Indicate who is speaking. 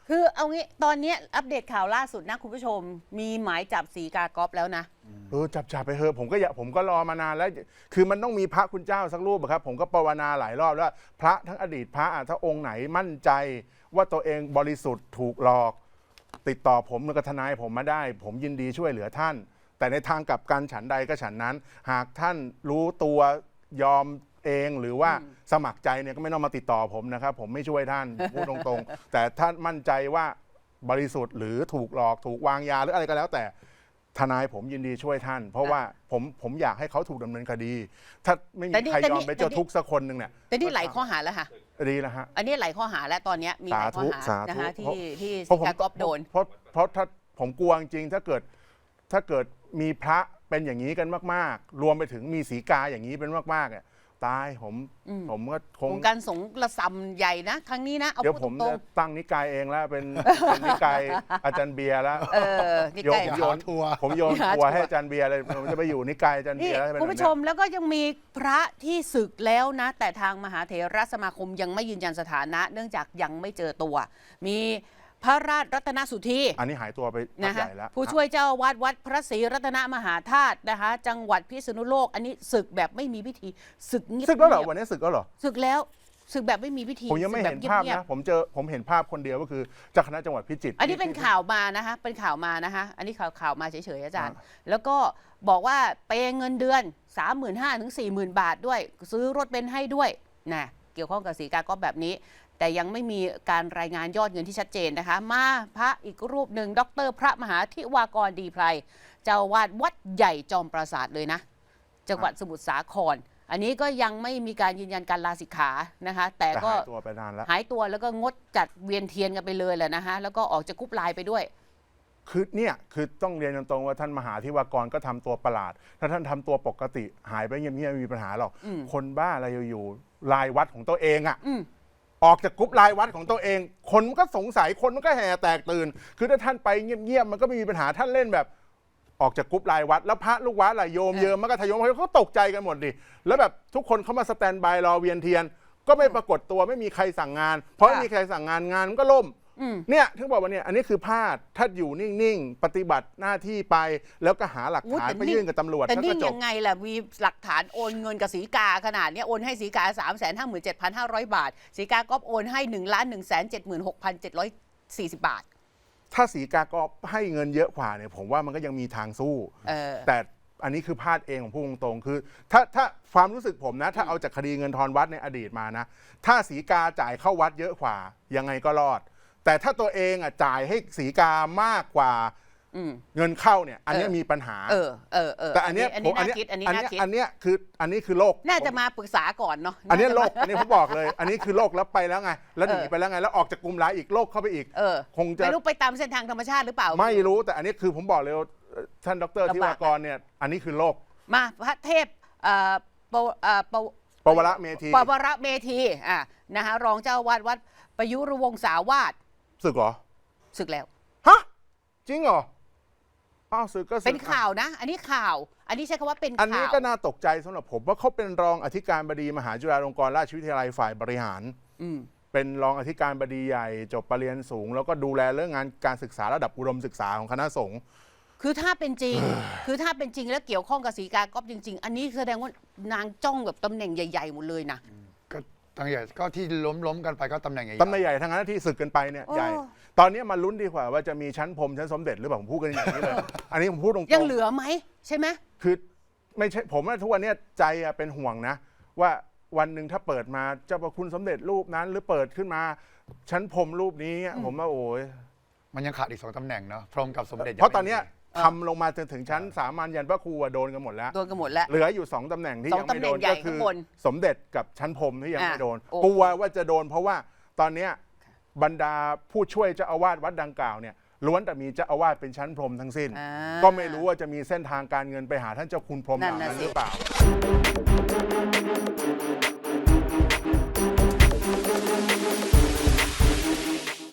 Speaker 1: คือเอางี้ตอนนี้อัปเดตข่าวล่าสุดนะคุณผู้ชมมีหมายจับสีกากอฟแล้วนะ
Speaker 2: จับไปเถอะผมก็รอมานานแล้วคือมันต้องมีพระคุณเจ้าสักรูปครับผมก็ภาวนาหลายรอบแล้วพระทั้งอดีตพระถ้าองค์ไหนมั่นใจว่าตัวเองบริสุทธิ์ถูกหลอกติดต่อผมกับทนายผมมาได้ผมยินดีช่วยเหลือท่านแต่ในทางกลับกันฉันใดก็ฉันนั้นหากท่านรู้ตัวยอมเองหรือว่าสมัครใจเนี่ยก็ไม่ต้องมาติดต่อผมนะครับผมไม่ช่วยท่านพูดตรงๆแต่ท่านมั่นใจว่าบริสุทธิ์หรือถูกหลอกถูกวางยาหรืออะไรก็แล้วแต่ทนายผมยินดีช่วยท่านเพราะว่าผมอยากให้เขาถูกดำเนินคดีถ้าไม่มีใครยอมไปเจอทุกสักคนหนึ่งเนี่ย
Speaker 1: แต่นี่หลายข้อหาแล้วค่ะ
Speaker 2: ดีแล้วฮะ
Speaker 1: อันนี้หลายข้อหาแล้วตอนนี้มีหลายข้อหานะคะที่สีกากอฟโดน
Speaker 2: เพราะถ้าผมกลัวจริงถ้าเกิดมีพระเป็นอย่างนี้กันมากๆรวมไปถึงมีสีกาอย่างนี้เป็นมากๆเนี่ยตายผมก็คง
Speaker 1: การสงฆ์ระซำใหญ่นะครั้งนี้นะ
Speaker 2: เดี๋ยวผมจะตั้งนิกายเองแล้วเป็นนิกายอาจารย์เบียร์แล้วผมโยนทัวร์ให้อาจารย์เบียร์เลยผมจะไปอยู่นิกายอาจารย์เบียร์แล้ว
Speaker 1: คุณผู้ชมแล้วก็ยังมีพระที่ศึกแล้วนะแต่ทางมหาเถรสมาคมยังไม่ยืนยันสถานะเนื่องจากยังไม่เจอตัวมีพระราชรัตนสุธี
Speaker 2: อันนี้หายตัวไปใหญ่แล้ว
Speaker 1: ผู้ช่วยเจ้าอาวาสวัดพระศรีรัตนมหาธาตุนะคะจังหวัดพิษณุโลกอันนี้ศึกแบบไม่มีพิธีศึกเงียบ
Speaker 2: แล้วเหรอวันนี้ศึกแล้วเหรอ
Speaker 1: ศึกแล้วศึกแบบไม่มีพิธี
Speaker 2: ผมยังไม่เห็นภาพนะผมเห็นภาพคนเดียวก็คือเจ้าคณะจังหวัดพิจิตร
Speaker 1: อันนี้เป็นข่าวมานะคะเป็นข่าวมานะคะอันนี้ข่าวมาเฉยๆอาจารย์แล้วก็บอกว่าเปย์เงินเดือน 35,000 ถึง 40,000 บาทด้วยซื้อรถเบนซ์ให้ด้วยนะเกี่ยวข้องกับสีกากอฟแบบนี้แต่ยังไม่มีการรายงานยอดเงินที่ชัดเจนนะคะมาพระอีกรูปหนึ่งดร.พระมหาธิวากรดีไพรเจ้าวาดวัดใหญ่จอมปราสาทเลยนะจังหวัดสมุทรสาครอันนี้ก็ยังไม่มีการยืนยันการลาสิกขานะคะแต่ก็
Speaker 2: หายตัวไปนานแล้ว
Speaker 1: หายตัวแล้วก็งดจัดเวียนเทียนกันไปเลยแหละนะคะแล้วก็ออกจากกรุ๊ปไลน์ไปด้วย
Speaker 2: คือต้องเรียนตรงๆว่าท่านมหาธิวากรก็ทำตัวประหลาดถ้าท่านทำตัวปกติหายไปเงียบๆไม่มีปัญหาหรอกคนบ้าอะไรอยู่ลายวัดของตัวเองอ่ะออกจากกรุ๊ปไลน์วัดของตัวเองคนมันก็สงสัยคนมันก็แห่แตกตื่นคือถ้าท่านไปเงียบๆมันก็ไม่มีปัญหาท่านเล่นแบบออกจากกรุ๊ปไลน์วัดแล้วพระลูกวัดล่ะโยมเยิมมันก็ทะยมเขาตกใจกันหมดดิแล้วแบบทุกคนเขามาสแตนบายรอเวียนเทียนก็ไม่ปรากฏตัวไม่มีใครสั่งงานเพราะไม่มีใครสั่งงานมันก็ล่มเนี่ยถึงบอกว่าเนี่ยอันนี้คือพลาดถ้าอยู่นิ่งๆปฏิบัติหน้าที่ไปแล้วก็หาหลักฐานไปยื่นกับตำรวจ
Speaker 1: แต่นิ่งยังไงล่ะมีหลักฐานโอนเงินกับสีกาขนาดนี้โอนให้สีกา 357,500 บาทสีกาก็โอนให้ 1,176,740 บาท
Speaker 2: ถ้าสีกาก็ให้เงินเยอะกว่าเนี่ยผมว่ามันก็ยังมีทางสู้แต่อันนี้คือพลาดเองของผู้ตรงๆคือถ้าความรู้สึกผมนะถ้าเอาจากคดีเงินทอนวัดในอดีตมานะถ้าสีกาจ่ายเข้าวัดเยอะกว่ายังไงก็รอดแต่ถ้าตัวเองจ่ายให้สีกามากกว่าเงินเข้าเนี่ยอันนี้มีปัญหาแต่อันนี้คือโลก
Speaker 1: น่าจะมาปรึกษาก่อนเนาะ
Speaker 2: อันนี้โลกอันนี้ผมบอกเลยอันนี้คือโลกแล้วไปแล้วไงแล้วหนีไปแล้วไงแล้วออกจากกลุ่มไลน์อีกโลกเข้าไปอีกคงจะ
Speaker 1: ไม่รู้ไปตามเส้นทางธรรมชาติหรือเปล่า
Speaker 2: ไม่รู้แต่อันนี้คือผมบอกเลยท่านดร.ธิวากรเนี่ยอันนี้คือโลก
Speaker 1: มาพระเทพ
Speaker 2: ปวรเม
Speaker 1: ธีนะคะรองเจ้าวาดวัดประยุรวงศาวาส
Speaker 2: ศึกเหรอ
Speaker 1: ศึกแล้ว
Speaker 2: ฮะจริงเหรอศึกก็
Speaker 1: เป็นข่าวนะอันนี้ข่าวอันนี้ใช้คำว่าเป็นข่าว
Speaker 2: อันนี้ก็น่าตกใจสำหรับผมว่าเขาเป็นรองอธิการบดีมหาจุฬาลงกรณราชวิทยาลัยฝ่ายบริหารเป็นรองอธิการบดีใหญ่จบปริญญาสูงแล้วก็ดูแลเรื่องงานการศึกษาระดับอุดมศึกษาของคณะสงฆ์
Speaker 1: คือถ้าเป็นจริง แล้วเกี่ยวข้องกับสีกากอฟจริงๆอันนี้แสดงว่านางจ้องแบบตำแหน่งใหญ่ๆหมดเลยนะ
Speaker 3: ก็ตำแหน่งใหญ่ก็ที่ล้มกันไปก็ตำแหน่งใหญ่
Speaker 2: ทั้งนั้นที่ศึกกันไปเนี่ยใหญ่ตอนนี้มาลุ้นดีกว่าว่าจะมีชั้นพรมชั้นสมเด็จหรือเปล่าผมพูดกันอย่างนี้เลยอันนี้ผมพูดตรงๆ
Speaker 1: ยังเหลือไหมใช่ไหม
Speaker 2: คือไม่ใช่ผมว่าทุกวันนี้ใจเป็นห่วงนะว่าวันหนึ่งถ้าเปิดมาเจ้าประคุณสมเด็จรูปนั้นหรือเปิดขึ้นมาชั้นพรมรูปนี้ผมว่าโอ้ย
Speaker 3: มันยังขาดอีก2 ตำแหน่งเนาะพรหมกับสมเด็จ
Speaker 2: เพราะตอนนี้ทำลงมาจนถึงชั้นสามัญยันพระครูโดนกันหมดแล้วเหลืออยู่2 ตำแหน่งที่ยังไม่โดนก็คือสมเด็จกับชั้นพรมที่ยังไม่โดนกลัวว่าจะโดนเพราะว่าตอนนี้บรรดาผู้ช่วยเจ้าอาวาสวัดดังกล่าวเนี่ยล้วนแต่มีเจ้าอาวาสเป็นชั้นพรมทั้งสิ้นก็ไม่รู้ว่าจะมีเส้นทางการเงินไปหาท่านเจ้าคุณพรหมเหล่านั้นหรือเปล่า